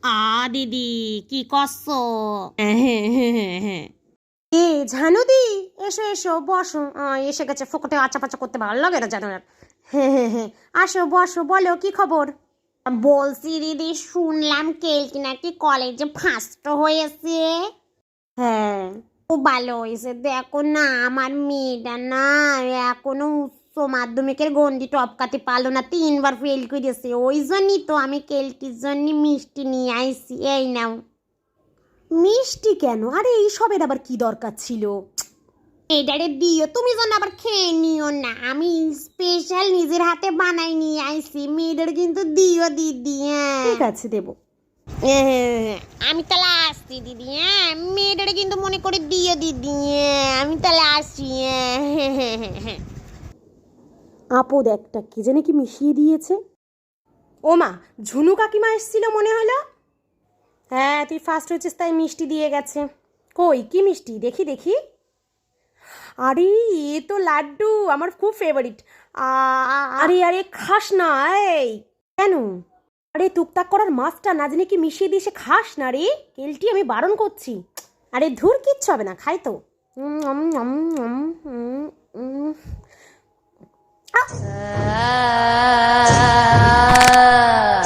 দিদি কি করছো? এ ঝানুদি, এসো এসো বসো। এসে গেছে, ফোকটে আচ্ছা পাচা করতে ভালো লাগে না জানো না। হ্যাঁ, আসো বসো, বলো কি খবর? বলছি দিদি, শুনলাম কেলটি নাকি কলেজে ফার্স্ট হয়েছে। হ্যাঁ, খুব ভালো হয়েছে। দেখো না, আমার মেয়েটা না এখনো উচ্চ মাধ্যমিকের গণ্ডি টপকাতে পারলো না, 3বার ফেল করেছে। ওই জন্যই তো আমি কেলটির জন্য মিষ্টি নিয়ে আইছি। এই নাও। মিষ্টি কেন? আরে এইসবের আবার কি দরকার ছিল? এটারে দিও, তুমি যেন আবার খেয়ে নিও না। আমি স্পেশাল নিজের হাতে বানাই নিয়ে আইছি। মেয়েদের কিন্তু দিও দিদি। হ্যাঁ ঠিক আছে, দেবো। আমি তাহলে আসছি দিদি। হ্যাঁ, মেয়েদের কিন্তু মনে করে দিও দিদি। আমি তাহলে আসছি। হ্যাঁ। আপদ একটা, কি জানে কি মিশিয়ে দিয়েছে। ও মা, ঝুনু কাকিমা এসেছিল মনে হলো। হ্যাঁ, তুই ফার্স্ট হয়েছিস তাই মিষ্টি দিয়ে গেছে। কই কি মিষ্টি? দেখি দেখি। আরে এ তো লাড্ডু, আমার খুব ফেভারিট। আরে আরে খাস না। এই কেন? আরে টুকটাক করার মাছটা না জানি কি মিশিয়ে দিয়ে খাস না রে কেলটি, আমি বারণ করছি। আরে ধুর, কিচ্ছু হবে না, খাই তো। উম, উম, উম, উম, উম, উম। আহ!